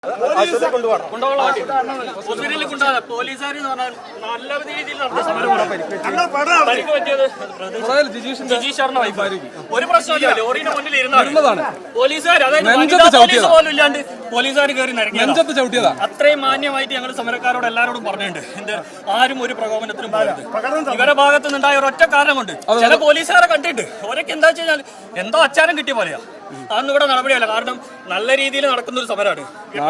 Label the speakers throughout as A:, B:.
A: പോലീസുകാർ നല്ല രീതിയിൽ നടന്ന സമരം ജിജീഷറിന്റെ വൈഫായിരിക്കും. ഒരു പ്രശ്നമില്ല, ലോറിയുടെ മുന്നിൽ ഇരുന്നതാണ് പോലീസുകാർ. അതായത് പോലും ഇല്ലാണ്ട് പോലീസുകാർ കയറി നിരങ്ങിയത്. അത്രയും മാന്യമായിട്ട് ഞങ്ങൾ സമരക്കാരോട് എല്ലാവരോടും പറഞ്ഞിട്ടുണ്ട്. എന്ത് ആരും ഒരു പ്രകോപനത്തിനും പോകരുത്. ഇവരുടെ ഭാഗത്തു നിന്നുണ്ടായ ഒരൊറ്റ കാരണം കൊണ്ട് ചില പോലീസുകാരെ കണ്ടിട്ട് ഓരൊക്കെ എന്താ വെച്ച് കഴിഞ്ഞാൽ എന്തോ അച്ചാരം കിട്ടിയ പോലെയാ. അതൊന്നും ഇവിടെ നടപടിയല്ല. കാരണം നല്ല രീതിയിൽ നടക്കുന്ന ഒരു സമരമാണ്.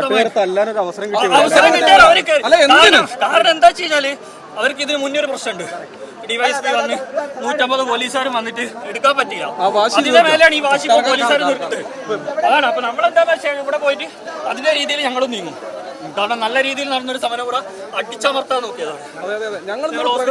A: അവസരം കിട്ടിയാൽ അവർക്ക് കാരണം എന്താ വെച്ച് കഴിഞ്ഞാല് അവർക്ക് ഇതിന് മുന്നേ ഒരു പ്രശ്നമുണ്ട്. ഡിവൈഎസ്പി വന്ന് 150 പോലീസുകാരും വന്നിട്ട് എടുക്കാൻ പറ്റില്ല. അതിന്റെ മേലെയാണ് ഈ വാശി പോലീസുകാർ നിർത്തത്. അതാണ്. അപ്പൊ നമ്മളെന്താ വെച്ചാൽ ഇവിടെ പോയിട്ട് അതിന്റെ രീതിയിൽ ഞങ്ങളും നീങ്ങും. കാരണം നല്ല രീതിയിൽ നടന്നൊരു സമരം കൂടെ അടിച്ചമർത്താൻ നോക്കിയതാണ്.
B: ഞങ്ങൾ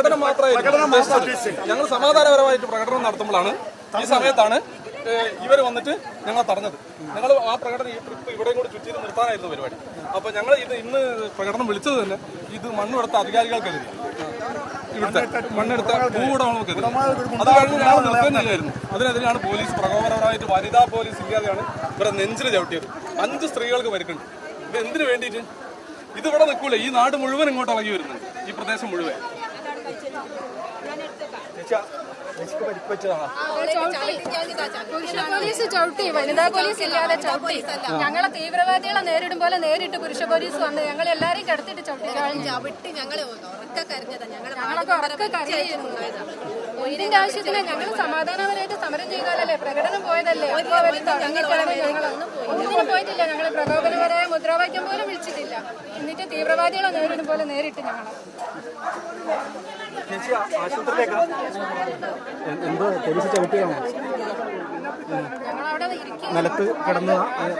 B: സമാധാനപരമായിട്ട് പ്രകടനം നടത്തുമ്പോഴാണ് ഈ സമയത്താണ് ഇവർ വന്നിട്ട് ഞങ്ങൾ തടഞ്ഞത്. ഞങ്ങൾ ആ പ്രകടനം ഈ ട്രിപ്പ് ഇവിടെയും കൂടി ചുറ്റി നിർത്താനായിരുന്നു പരിപാടി. അപ്പൊ ഞങ്ങൾ ഇന്ന് പ്രകടനം വിളിച്ചത് തന്നെ ഇത് മണ്ണെടുത്ത അധികാരികൾക്കെതിരെ, ഇവിടുത്തെ മണ്ണെടുത്ത ഭൂവുടമകൾക്കെതിരെ. അത് കഴിഞ്ഞ് ഞങ്ങൾ നിർത്തുകയായിരുന്നു. അതിനെതിരെയാണ് പോലീസ് പ്രകോപനപരമായിട്ട് വനിതാ പോലീസ് ഇല്ലാതെയാണ് ഇവരെ നെഞ്ചിൽ ചവിട്ടിയത്. 5 സ്ത്രീകൾക്ക് പരിക്കുണ്ട്. ഇത് എന്തിനു വേണ്ടിയിട്ട്? ഇതിവിടെ നിൽക്കൂല. ഈ നാട് മുഴുവൻ ഇങ്ങോട്ട് ഇളകി വരുന്നുണ്ട്, ഈ പ്രദേശം മുഴുവൻ.
C: പോലീസ് ചവിട്ടി, വനിതാ പോലീസ് ഇല്ലാതെ ചവിട്ടി. ഞങ്ങളെ തീവ്രവാദികളെ നേരിടും പോലെ നേരിട്ട് പുരുഷ പോലീസ് വന്ന് ഞങ്ങൾ എല്ലാരെയും കിടത്തിട്ട് ചവിട്ടി. ഞങ്ങളൊക്കെ ഉറക്കെ കരയുന്നു. ഇതിന്റെ ആവശ്യത്തിന് ഞങ്ങൾ സമാധാനപരമായിട്ട് സമരം ചെയ്താലല്ലേ, പ്രകടനം പോയതല്ലേ. ഒന്നിനും പോയിട്ടില്ല. ഞങ്ങൾ പ്രകോപനപരമായ മുദ്രാവാക്യം പോലും വിളിച്ചിട്ടില്ല. എന്നിട്ട് തീവ്രവാദികളെ നേരിടും പോലെ നേരിട്ട് ഞങ്ങളെ
D: എന്തോ പോലീസ് ചവിട്ടിയാണോ? നിലത്ത് കിടന്ന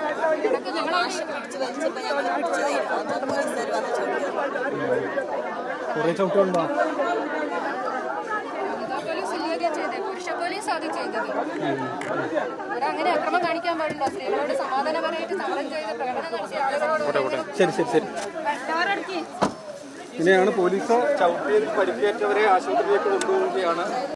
D: കുറെ ചവിട്ടുണ്ടോ?
C: പുരുഷ പോലീസ് അത് ചെയ്തത്. അങ്ങനെ അക്രമം കാണിക്കാൻ പാടില്ല. സ്ത്രീകളോട് സമാധാനപരമായിട്ട് സമരം ചെയ്ത് പ്രകടനം നടത്തിയ ആളുകളോട്.
D: ശരി. ഇങ്ങനെയാണ് പോലീസ് ചവിട്ടിയിൽ പരിക്കേറ്റവരെ ആശുപത്രിയിലേക്ക് കൊണ്ടുപോവുകയാണ്.